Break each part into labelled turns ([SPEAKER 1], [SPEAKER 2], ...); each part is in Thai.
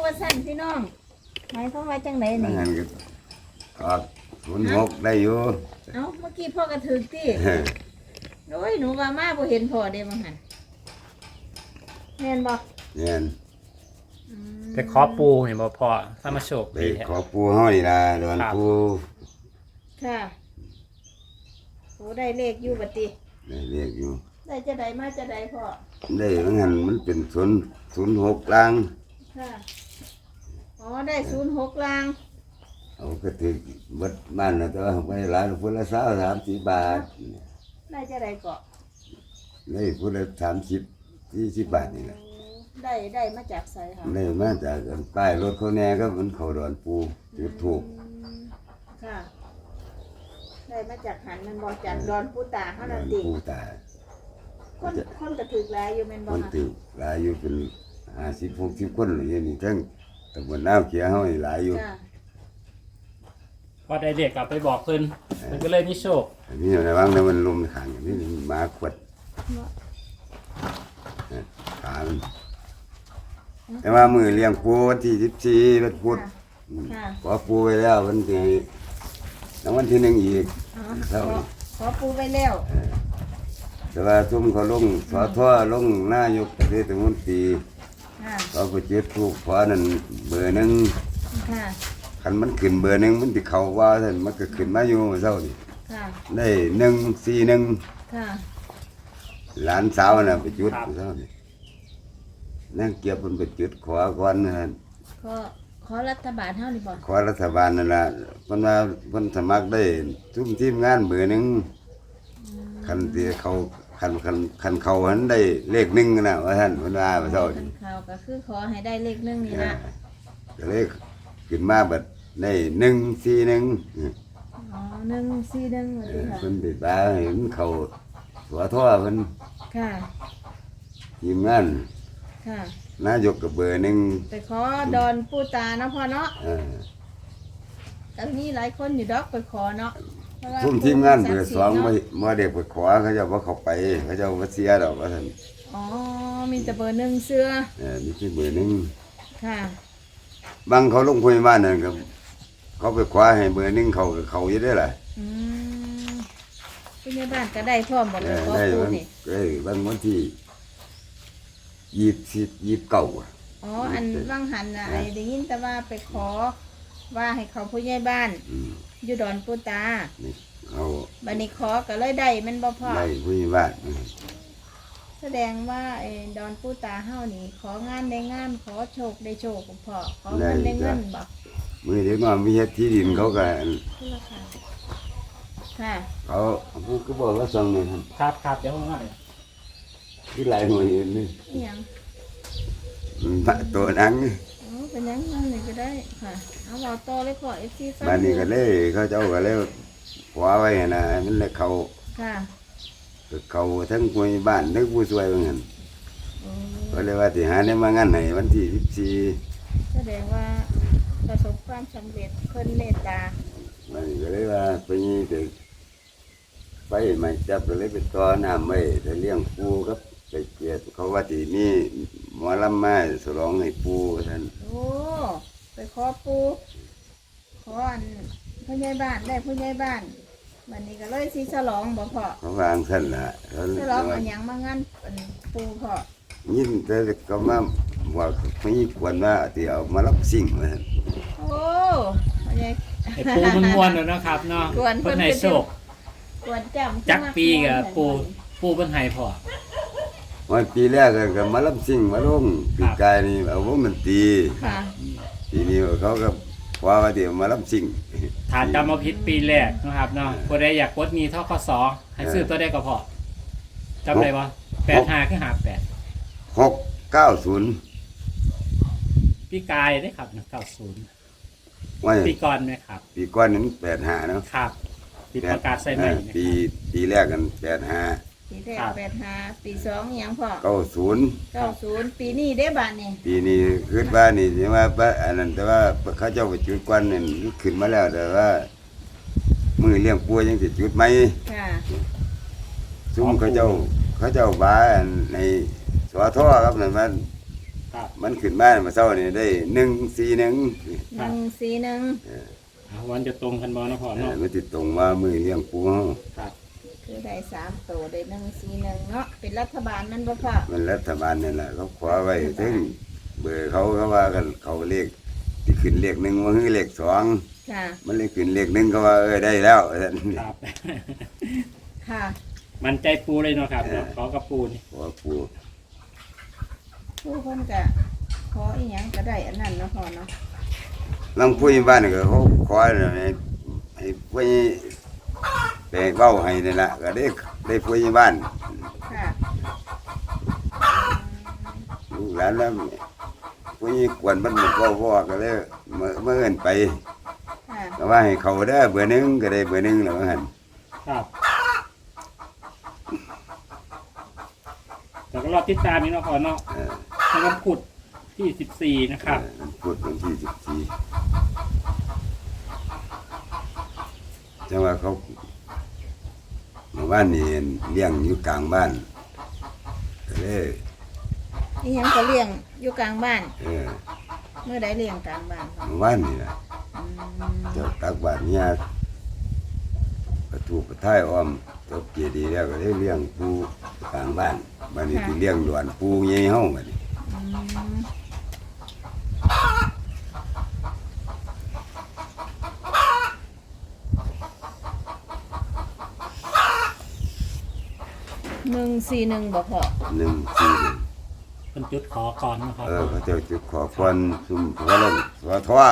[SPEAKER 1] ว่าสั่นพี่น้องหมายความว่าจังไหนนี่
[SPEAKER 2] งั้นก็ออก06ได้อยู่
[SPEAKER 1] เอ้าเมื่อกี้พ่อกระถึกติโอ้ยหนูว่ามาบ่เห็นพ่อเด้บ่หั่นแม่นบ่
[SPEAKER 2] เนี่ย
[SPEAKER 1] อืม
[SPEAKER 3] ไปขอปูเห็นบ่พ่อถ้ามาโชค
[SPEAKER 2] ไป
[SPEAKER 3] ดีแท้
[SPEAKER 2] ขอปูเฮานี่ล่ะดอนปู
[SPEAKER 1] ค่ะโอ้ได้เลขอยู่บัดติ
[SPEAKER 2] ได้เรียกอยู่
[SPEAKER 1] ได้จะได้มาจะได้พ่อ
[SPEAKER 2] ได้งั้นมันเป็น06ล่าง
[SPEAKER 1] ค่ะอ๋อได้06ลาง
[SPEAKER 2] เอาก็ถือเบิดบ้านน่ะแต่ว่าไปหลายพุ่นละ20-30 บาท
[SPEAKER 1] ได้จะได้เกาะ
[SPEAKER 2] ได้พุ่นละ30-40 บาทนี่แหละ
[SPEAKER 1] ได้มาจากไสค่ะ
[SPEAKER 2] ได้มาจากอันป้ายรถเขาแน่ก็มันเขาดอนปูจุดถูก
[SPEAKER 1] อืมค่ะ ได้มาจากหันมันบอกจากดอนปูตาเฮา
[SPEAKER 2] ด
[SPEAKER 1] นั่
[SPEAKER 2] อน น
[SPEAKER 1] ติ
[SPEAKER 2] ปูตา
[SPEAKER 1] คนกระถึกหลายอยู่แม่นบ่
[SPEAKER 2] คน
[SPEAKER 1] คะ
[SPEAKER 2] ติวหลายอยู่เป็น50-60 คนเลยนี่ทั้งตำบลน้าวเขียวเฮานี่หลายอยู่
[SPEAKER 1] จ้ะ
[SPEAKER 3] พอได้เด็กกลับไปบอกเพิ่นมันก็เลยมีโชค
[SPEAKER 2] อันนี้ระวังนะมันลมขังอันนี้หมาขวดขามันแต่ว่ามือเลี้ยงปูวันที่14วันพุธ
[SPEAKER 1] ค่ะ
[SPEAKER 2] ขอปูไว้แล้ววันที่แล้ววันที่1อีก
[SPEAKER 1] อ๋อ
[SPEAKER 2] เท่า
[SPEAKER 1] ขอปูไว้แล้ว
[SPEAKER 2] แต่ว่าซุ่มเขาลงสอทอลงนายกเทศมนตรี
[SPEAKER 1] ค่ะ
[SPEAKER 2] เขาไปจุดถูกขอนั่นเบอร์หนึง
[SPEAKER 1] ค่ะ
[SPEAKER 2] คันมันขึ้นเบอร์หนึงมันสิเข้าว่าท่านมันก็ขึ้นมาอยู่เจ้านี่
[SPEAKER 1] ค่ะ
[SPEAKER 2] ได้141
[SPEAKER 1] ค่ะ
[SPEAKER 2] หลานสาวน่ะไปจุดเจ้านี่นั่งเก็บมันไปจุดขอก่อนนะ
[SPEAKER 1] ขอรัฐบาลเฮานี่บ่
[SPEAKER 2] ขอรัฐบาลนั่นล่ะเพิ่นว่าเพิ่นสมัครได้ทุกทีมงานเบอร์หนึงคันที่เขาคันเขาหันได้เลข1น่ะว่าท่านเพิ่นว่าเจ้านี่
[SPEAKER 1] ข่าวก็คือขอให้ได้เลข1นี่ล่ะ
[SPEAKER 2] ก็เลยขึ้นมาบัดได้141
[SPEAKER 1] อ๋อ141ว่าติค่ะ
[SPEAKER 2] เพิ่นติดบ้าเห็นเขาหัวท่อเพิ่น
[SPEAKER 1] ค่ะ
[SPEAKER 2] ทีมงาน
[SPEAKER 1] ค่ะ
[SPEAKER 2] นายกกับเบอร์หนึ่ง
[SPEAKER 1] ไปขอดอนปูตาเนาะพ่อเนาะ
[SPEAKER 2] เออ
[SPEAKER 1] แต่มีหลายคนอยู่ดอกไปขอเนาะเพราะว่า
[SPEAKER 2] ทุ่มทีมงานเบอร์ 2
[SPEAKER 1] เนาะ
[SPEAKER 2] มาเด็กไปขอเขาเจะว่าเขาไปเขาเจะว่าเสียดอกว่าท่าน
[SPEAKER 1] อ๋อมีแต่เบอร์1เสื้อ
[SPEAKER 2] มีที่เบอร์หนึ่ง
[SPEAKER 1] ค่ะ
[SPEAKER 2] บางเขาลงพยาบาลนั่นก็เขาไปขอให้เบอร์หนึ่งเขาก็เขาอยู่ได้ล่ะ
[SPEAKER 1] อืมผู้ใหญ่บ้านก็ได้พร้อมบ่
[SPEAKER 2] เอ
[SPEAKER 1] ไป
[SPEAKER 2] อ
[SPEAKER 1] ขอ
[SPEAKER 2] ได้
[SPEAKER 1] ปู
[SPEAKER 2] บาง
[SPEAKER 1] นี่
[SPEAKER 2] บางวันที่29อะ
[SPEAKER 1] อ๋ออันว่างหันน่ะไอ้ได้ยินแต่ว่าไปขอว่าให้เขาผู้ใหญ่บ้าน
[SPEAKER 2] อืม
[SPEAKER 1] อยู่ดอนปูตา
[SPEAKER 2] นี่เขา
[SPEAKER 1] บัดนี้ขอก็เลยได้แม่นบ่พ่อ
[SPEAKER 2] ได้พยาบาล
[SPEAKER 1] แสดงว่าไอ้ดอนปูตาเฮานี่ ของานได้งานขอโชคได้โชคพ่อขอเงินได้เงินบ่
[SPEAKER 2] มือเด็กน้อยมีเฮ็ดที่ดินเขาก็
[SPEAKER 1] คือราคาค่ะ
[SPEAKER 2] เขาผู้ก็บอกว่าสั่งนี่ครับ
[SPEAKER 3] ครับเดี๋ยวผมมาเลย
[SPEAKER 2] ที่หลายหน่วยอยู่นี่
[SPEAKER 1] อีหยัง
[SPEAKER 2] ตัวหนังนี่
[SPEAKER 1] อ๋อเป็นหยังนั่นเลยก็ได้ค่ะเอาเว้าต่อเลยพ่อ FC ฟัง
[SPEAKER 2] บ้านนี้ก็เลยเขาเจ้าก็เลยขวาไว้นะมันเลย
[SPEAKER 1] ค่ะ
[SPEAKER 2] เขาทั้งผู้ใหญ่บ้านทั้งผู้ช่วยว่างั้น
[SPEAKER 1] โอ้
[SPEAKER 2] ก็เลยว่าสิหาได้มางานให้วันที่
[SPEAKER 1] แสดงว่าประสบความสำเร็จเพิ่นเมตตา
[SPEAKER 2] 14มันก็เลยว่าไปนี่เด็กไปมาจับก็เลยไปต่อน้ำไว้แต่เลี้ยงปูกับไปเกียรติเขาว่าที่นี่หมอลำมาฉลองให้ปูท่าน
[SPEAKER 1] โอ้ไปขอปูขออันผู้ใหญ่บ้านได้ผู้ใหญ่บ้านวันนี้ก็เลยสิฉลองบ่พ่อ
[SPEAKER 2] เขาวางท่านล่ะเขา
[SPEAKER 1] ฉลองอันหยังมางานอันปูพ่อ
[SPEAKER 2] ยินแต่ก็มาว่าไม่ควรว่าที่เอามารับสิ่งว่าซั่น
[SPEAKER 1] โอ้ผู้ใหญ่
[SPEAKER 3] ไอ้ปูมันม่วนแล้วนะครับเนาะ
[SPEAKER 1] กวนเพิ่
[SPEAKER 3] เพิ่
[SPEAKER 1] น
[SPEAKER 3] นให้โชค
[SPEAKER 1] กวนจำ
[SPEAKER 3] จักปีกับปูเพิ่นให้พ่อ
[SPEAKER 2] วันปีแรกก็มารับสิ่งมาลงปีกายนี่เอาวงดนตรี
[SPEAKER 1] ค่ะ
[SPEAKER 2] ปีนี้เขาก็ว่าที่เอามารับสิ่ง
[SPEAKER 3] ฐานจำมาผิดปีแรกนะครับเนาะผู้ใดอยากกดหนี้ทกสให้ซื้อตัวได้ก็พอจำได้บ่85คือ58
[SPEAKER 2] 690
[SPEAKER 3] ปีกายได้ครับ90
[SPEAKER 2] ว่า
[SPEAKER 3] ปีก่อนไหมครับ
[SPEAKER 2] ปีก่อนนั้น85เนาะ
[SPEAKER 3] ครับปีประกาศใส่ใหม่
[SPEAKER 2] ปีแรกกัน85
[SPEAKER 1] ปีแรก85ปี2อิหยังพ่อ
[SPEAKER 2] 90
[SPEAKER 1] 90ปีนี้เด้บาดนี่
[SPEAKER 2] ปีนี้คิดว่านี่สิว่าอันนั้นแต่ว่าเขาเจ้าไปจุดควันนี่ขึ้นมาแล้วแต่ว่ามือเลี้ยงปัวยังสิจุดไหม
[SPEAKER 1] ค่ะ
[SPEAKER 2] ซุ่มเขาเจ้าบ้าในสวท่อครับนั่นมัน
[SPEAKER 3] ครับ
[SPEAKER 2] มันขึ้นมาเช้านี่ได้141
[SPEAKER 1] 141
[SPEAKER 3] วันจะตรงกันบ่นะพ่อเนาะ
[SPEAKER 2] มันติดตรงมามือเลี้ยงปูเฮา
[SPEAKER 3] ครับ
[SPEAKER 1] คือได้3ตัวได้141เนาะเป็นรัฐบาลมันบ่พ่อ
[SPEAKER 2] มันรัฐบาลนี่แหละเขาขอไว้ถึงเบอร์เขาว่ากันเขาเลขที่ขึ้นเลข1ว่าคือเลข2
[SPEAKER 1] ค่ะ
[SPEAKER 2] มันเลขขึ้นเลข1ก็ว่าได้แล้วว่าซั่น
[SPEAKER 3] ครับ
[SPEAKER 1] ค่ะ
[SPEAKER 3] มันใจปูเลยเนาะครับเนาะขอกับปูนี่
[SPEAKER 2] ขอปู
[SPEAKER 1] ผู้คนก็ขออีหยังก็ได้อันนั้นเนาะพ่อเนาะ
[SPEAKER 2] ลังผู้ใหญ่บ้านก็เขาขอให้ผู้ใหญ่ไปเว้าให้นี่ล่ะก็ได้ผู้ใหญ่บ้าน
[SPEAKER 1] ค่ะ
[SPEAKER 2] ลูกหลานแล้วผู้ใหญ่กวนมันก็ก็เลยเมื่อเอิ้นไป
[SPEAKER 1] ค่ะ
[SPEAKER 2] ก็ว่าให้เขาเด้อเบอร์หนึ่งก็ได้เบอร์หนึ่งแล้วว่าหั่น
[SPEAKER 3] ครับแล้วก็รอบติดตามนี่เนาะพ่อเนาะ
[SPEAKER 2] เออ
[SPEAKER 3] ในวันพุธที่14นะครับ
[SPEAKER 2] พูดวันที่14จังว่าเขาเมื่อวานนี่เลี้ยงอยู่กลางบ้านก็เลย
[SPEAKER 1] อีหยังก็เลี้ยงอยู่กลางบ้าน
[SPEAKER 2] เออ
[SPEAKER 1] เมื่อใดเลี้ยงกลางบ้านพ่อ
[SPEAKER 2] เมื่อวานนี่ล่ะ
[SPEAKER 1] อืม
[SPEAKER 2] เจ้าตักบาตรเนี่ยประตูประท้ายอ้อมจบเจดีย์แล้วก็เลยเลี้ยงปูกลางบ้านบัดนี้สิเลี้ยงหลวนปูใหญ่เฮาบัดนี้
[SPEAKER 1] อืม141บ่พ่อ
[SPEAKER 2] 141
[SPEAKER 3] เป็นจุดขอก่อนนะครับ
[SPEAKER 2] เขาเจ้าจุดขอพรซุ่มหัวลงหัวทว่า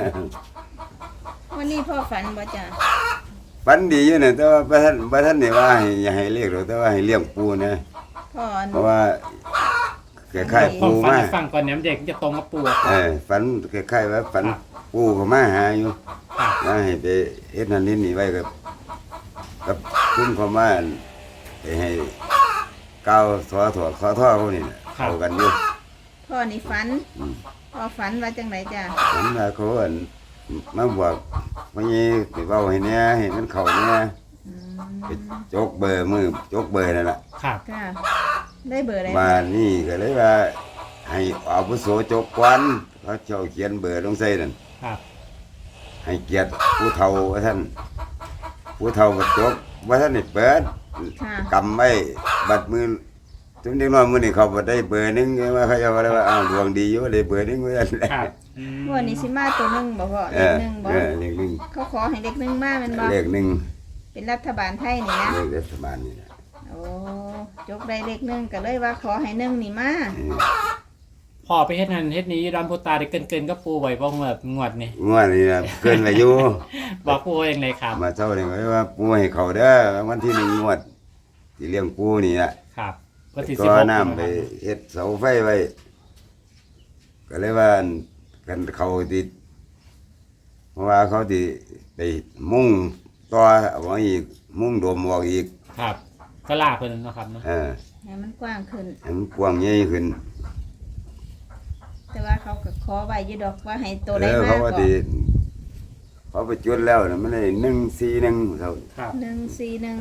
[SPEAKER 1] วันนี้พ่อฝันบ่จ้ะ
[SPEAKER 2] ฝันดีอยู่เนี่ยแต่ว่าพระท่านนี่ว่าให้อย่าให้เรียกหรอกแต่ว่าให้เลี้ยงปูนะ
[SPEAKER 1] พ่ออัน
[SPEAKER 2] เพราะว่าคล้ายๆ
[SPEAKER 3] ต้อ
[SPEAKER 2] ปู
[SPEAKER 3] งฟัง
[SPEAKER 2] มา
[SPEAKER 3] ให้ฟังก่อนเนี่ยเด็กจะตรงกับปูอะค
[SPEAKER 2] เอ
[SPEAKER 3] รับ
[SPEAKER 2] อฝันคล้ายๆว่าฝันปูเขามาหาอยู่
[SPEAKER 3] ครับ
[SPEAKER 2] ว่าให้ไปเฮ็ดนั่นนี่ไว้กับคุณเขามาไปให้ก้าวสอถอดขอท่อเขานี่น่ะเข้ากันอยู่
[SPEAKER 1] พ่อนี่ฝัน
[SPEAKER 2] อืม
[SPEAKER 1] พ่อฝันว่าจังไหนจ้ะ
[SPEAKER 2] ฝันว่าเขาอั่นมาบอกว่านี่ไปเว้าให้แหน่ให้มันเข้าแหน่
[SPEAKER 1] อืม
[SPEAKER 2] ไปจกเบอร์มือจกเบอร์นั่นล่ะ
[SPEAKER 3] ครับ
[SPEAKER 1] ค่ะ ได้เบอร์อะไร
[SPEAKER 2] มานี่ก็เลยว่าให้อาวุโสจกควันเขาเจ้าเขียนเบอร์ลงใส่นั่น
[SPEAKER 3] ครับ
[SPEAKER 2] ให้เกียรติผู้เฒ่าว่าท่านผู้เฒ่าบัดจกว่าท่านนี่เปิด
[SPEAKER 1] ค่ะ
[SPEAKER 2] กำไว้บัดมือถึงเด็กน้อยมื้อนี้เขาบ่ได้เบอร์หนึงไงว่าเขาจะว่าได้ว่าอ้าวดวงดีอยู่ได้เบอร์หนึงว่าซั่นแหละ
[SPEAKER 3] ครับ
[SPEAKER 1] งวดนี้สิมาตัวหนึงบ่พ่อ
[SPEAKER 2] เอ
[SPEAKER 1] เลข
[SPEAKER 2] อ
[SPEAKER 1] หนึ่งบ่
[SPEAKER 2] เลขหนึ่ง
[SPEAKER 1] เขาขอให้เลขหนึ่งมาแมันบ่
[SPEAKER 2] เลขหนึ่ง
[SPEAKER 1] เป็นรัฐบาลไทยนี่นะ
[SPEAKER 2] เลขรัฐบาลนี่นะ
[SPEAKER 1] โอ้จกได้เลขหนึ่งก็เลยว่าขอให้หนึ่งนี่มา
[SPEAKER 2] เออ
[SPEAKER 3] พ่อไปเฮ็ดนั่นเฮ็ดนี้ดำพูตาได้เกินกับปูไว้บ่งวดนี่
[SPEAKER 2] งวดนี้นะเกินอายุ
[SPEAKER 3] บอกปูเองเลยครับ
[SPEAKER 2] มาเช้านี่ก็เลยว่าปูให้เขาเด้อวันที่1งวดที่เลี้ยงปูนี่น่ะ
[SPEAKER 3] ครับวันที่
[SPEAKER 2] ก็
[SPEAKER 3] 16
[SPEAKER 2] น้ำไปเฮ็ดเสาไฟไว้ ก็เลยว่ากันเขาติดเพราะว่าเขาติไปมุ่งต่อเอาไว้อีกมุ่งโดมออกอีก
[SPEAKER 3] ครับก็ลาเพิ่นเนาะครับเนาะ
[SPEAKER 2] เออ
[SPEAKER 1] ให้มันกว้างขึ้น
[SPEAKER 2] ให้มันกว้างใหญ่ขึ้น
[SPEAKER 1] แต่ว่าเขาก็ขอไว้อยู่ดอกว่าให้ตัว
[SPEAKER 2] เอ
[SPEAKER 1] ได้
[SPEAKER 2] อ
[SPEAKER 1] มา
[SPEAKER 2] เขาว่า
[SPEAKER 1] ก่อ
[SPEAKER 2] ติ
[SPEAKER 1] น
[SPEAKER 2] เขาไปจุดแล้วน่ะมันได้141เท่า
[SPEAKER 3] ครับ
[SPEAKER 1] 141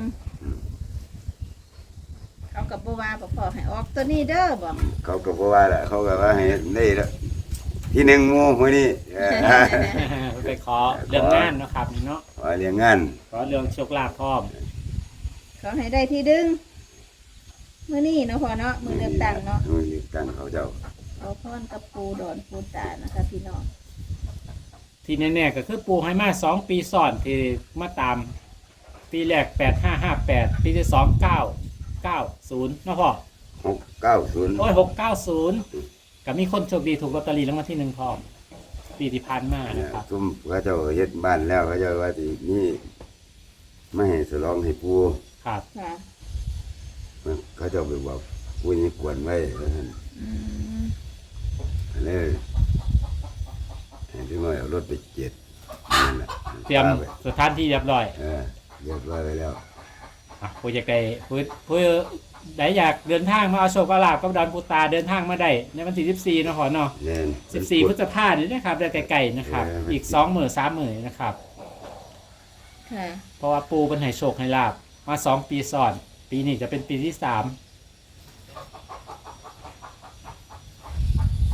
[SPEAKER 1] เขากับบ่ว่าบ่พอให้ออกตัวนี้เด้อบ่
[SPEAKER 2] เขาก็บ่ว่าละเขาก็ว่าให้ได้ละที่หนึ่งหมู่มื้อนี้เออ
[SPEAKER 3] ไปขอเรื่องงานเนาะครับนี่เนาะ
[SPEAKER 2] ว่าเรียงงาน
[SPEAKER 3] ขอเรื่องโชคลาภพร้อม
[SPEAKER 1] ขอให้ได้ที่ดึงมื้อนี้เนาะพ่อเนาะมื้อเลือกตั้งเนาะ
[SPEAKER 2] มื้อเลือกตั้งเขาเจ้า
[SPEAKER 1] เอาพรกับปูดอนปูตานะคะพี่น้อง
[SPEAKER 3] ที่แน่ๆก็คือปูให้มา2 ปีซ้อนที่มาตามปีแรก8558ปีที่2 990เนาะพ่อ
[SPEAKER 2] 690
[SPEAKER 3] โอ้ย690ก็มีคนโชคดีถูกลอตเตอรี่รางวัลที่1พร้อมปีที่ผ่านมานะครับ
[SPEAKER 2] ซุ่มเขาเจ้าเฮ็ดบ้านแล้วเขาเจ้าว่าสินี่ไม่ให้ฉลองให้ปู่
[SPEAKER 3] ครับ
[SPEAKER 1] ค่ะ
[SPEAKER 2] เขาเจ้าไปบอกปู่นี่กวนไว้ว่าซั่น
[SPEAKER 1] อืม
[SPEAKER 2] เลยให้ถึงว่าเอารถไปเจ็ดนั่นน่ะ
[SPEAKER 3] เตรียม
[SPEAKER 2] พาไป
[SPEAKER 3] สถานที่เรียบร้อย
[SPEAKER 2] เออเรียบร้อยไปแล้ว
[SPEAKER 3] ผู้อยากได้ผู้ใดอยากเดินทางมาเอาโชคเอาลาภกับดอนปูตาเดินทางมาได้ในวันที่14เนาะพ่อเนาะ
[SPEAKER 2] แน่น
[SPEAKER 3] 14พฤษภาคมนี้นะครับได้ไกลๆนะครับ อีก2 มื้อ3 มื้อนะครับ
[SPEAKER 1] ค่ะ
[SPEAKER 3] เพราะว่าปูเป็นให้โชคให้ลาบมา2 ปีซ้อน ปีนี้จะเป็นปีที่3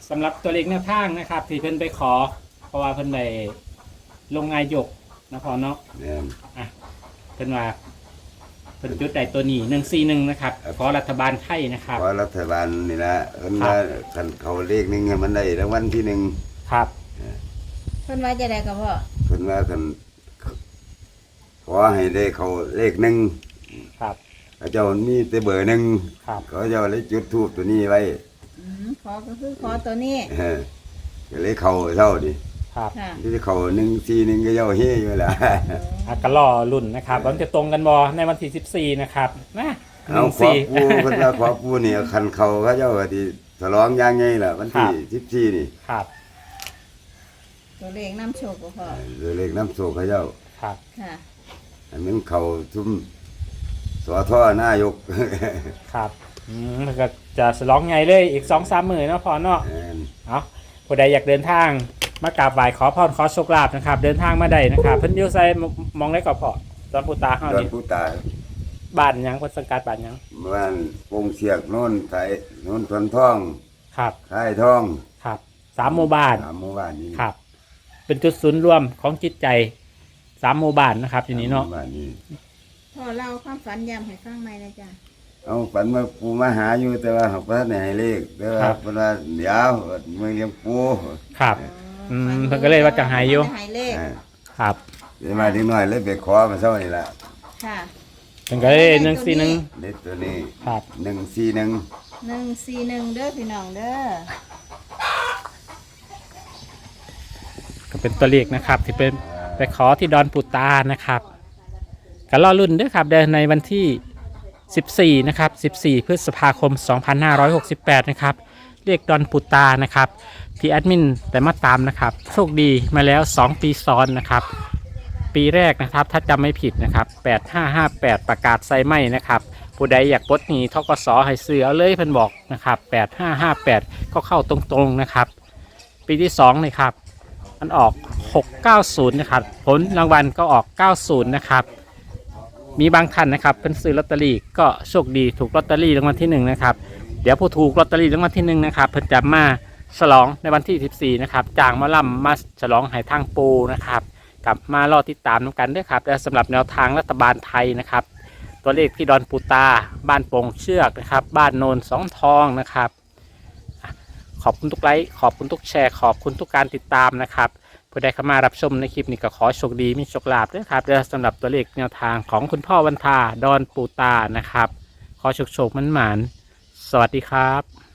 [SPEAKER 3] สำหรับตัวเลขแนวทางนะครับ ที่เพิ่นไปขอ เพราะว่าเพิ่นได้ลงนายกนะพอเนาะ
[SPEAKER 2] แม่น
[SPEAKER 3] อ่ะเพิ่นว่าเพิ่นจุดใดตัวนี้141นะครับขอรัฐบาลไทยนะครับ
[SPEAKER 2] เพราะรัฐบาลนี่ละเพิ่นว่าคันเขาเลขหนึงมันได้รางวัลที่หนึ่ง
[SPEAKER 3] ครับ
[SPEAKER 1] เพิ่นว่าจะได้กับพ่อ
[SPEAKER 2] เพิ่นว่าคันขอให้ได้เขาเลขหนึ่ง
[SPEAKER 3] ครับ
[SPEAKER 2] เขาเจ้ามีแต่เบอร์หนึ่ง
[SPEAKER 3] ครับ
[SPEAKER 2] เขาเจ้าเลยจุดทูบตัวนี้ไว้
[SPEAKER 1] ขอก็คือขอตัวนี้
[SPEAKER 2] ก็เลยเขาเท่าดิ
[SPEAKER 3] ครับ
[SPEAKER 1] ค่ะ
[SPEAKER 2] ที่เขา141ก็เจ้าเฮอยู่แหละ
[SPEAKER 3] อ่ะก็รอรุ่นนะครับว่ามันจะตรงกันบอในวันที่14นะครับนะ
[SPEAKER 2] เอาขอปูเพิ่นว่าขอปูนี่คันเขาเจ้าก็สิฉลองอย่างไงล่ะวันที่14นี่
[SPEAKER 3] ครับ
[SPEAKER 1] ตัวเลขน้ำโชคบ่พ่อ
[SPEAKER 2] เลขน้ำโศกเขาเจ้า
[SPEAKER 3] ครับ
[SPEAKER 1] ค่ะ
[SPEAKER 2] อันนั้นเขาทุ่มสอท่อนายก
[SPEAKER 3] ครับแล้วก็จะสลองไงเลยอีก 2-3 มื้อเนาะพอเนาะ
[SPEAKER 2] แม่น
[SPEAKER 3] เอาผู้ใดอยากเดินทางมากราบไหว้ขอพรขอโชคลาภนะครับ เดินทางมาได้นะครับ เพิ่นอยู่ไสมองได้ก็พอตอนปูตาเฮา
[SPEAKER 2] ดอน
[SPEAKER 3] นี่
[SPEAKER 2] ผู้ตาย
[SPEAKER 3] บ้านหยังเพิ่นสังกัดบ้านหยัง
[SPEAKER 2] บ้านปงเสียกโน่นไทยโน่นทวนทอง
[SPEAKER 3] ครับ
[SPEAKER 2] ค่ายทอง
[SPEAKER 3] ครับ3หมู่บ้าน
[SPEAKER 2] สามหมู่บ้านนี้
[SPEAKER 3] ครับ เป็นจุดศูนย์รวมของจิตใจ3หมู่บ้านนะครับทีนี้เนาะ
[SPEAKER 2] สมหมู่บ้านนี้
[SPEAKER 1] พ่อเล่าความฝันย้ำให้ฟังใหม่นะจ๊ะ
[SPEAKER 2] เอาฝันว่าปูมาหาอยู่แต่ว่าเขาบ่ทันได้ให้เลขแต่ว่าเพิ่นว่าเดี๋ยวมึงเลี้ยงปู
[SPEAKER 3] ครับ
[SPEAKER 1] ฝั
[SPEAKER 3] เพิ่นก็เลยว่าจะหายอยู่
[SPEAKER 1] จะหายเลข
[SPEAKER 2] อ่า
[SPEAKER 3] ครับ
[SPEAKER 2] เดี๋ยวมาถึงหน่อยเลยไปขอมาเช้านี่ล่ะ
[SPEAKER 1] ค่ะ
[SPEAKER 3] เพิ่นก็เลย141
[SPEAKER 2] เลขตัวนี้
[SPEAKER 3] ครับ
[SPEAKER 2] 141
[SPEAKER 1] 141เด้อพี่น้องเด้อ
[SPEAKER 3] ก็เป็นตัวเลขนะครับที่เป็นไปขอที่ดอนปูตานะครับก็รอรุ่นด้วยครับเดินในวันที่ 14 นะครับ 14 พฤษภาคม 2568 นะครับเรียกดอนปูตานะครับที่แอดมินแต่มาตามนะครับโชคดีมาแล้ว 2 ปีซ้อนนะครับ ปีแรกนะครับถ้าจำไม่ผิดนะครับ 8558 ประกาศไซไหมนะครับผู้ใดอยากปลดหนี้ทกสให้ซื้อเอาเลยเพิ่นบอกนะครับ 8558 ก็เข้าตรงๆนะครับ ปีที่2เลยครับ มันออก 690 นะครับ ผลรางวัลก็ออก 90 นะครับ มีบางท่านนะครับเพิ่นซื้อลอตเตอรี่ก็โชคดีถูกลอตเตอรี่รางวัลที่1นะครับ เดี๋ยวผู้ถูกลอตเตอรี่รางวัลที่1นะครับเพิ่นจะมาฉลองในวันที่ 14 นะครับจ้างหมาล่ำมาฉลองให้ทางปูนะครับกลับมารอติดตามกันด้วยครับและสำหรับแนวทางรัฐบาลไทยนะครับ ตัวเลขที่ดอนปูตา บ้านโป่งเชือกนะครับ บ้านโนนสองทองนะครับ ขอบคุณทุกไลค์ขอบคุณทุกแชร์ขอบคุณทุกการติดตามนะครับผู้ใดเข้ามารับชมในคลิปนี้ก็ขอโชคดีมีโชคลาภด้วยครับและสำหรับตัวเลขแนวทางของคุณพ่อวันทาดอนปูตานะครับขอโชคมันหมานสวัสดีครับ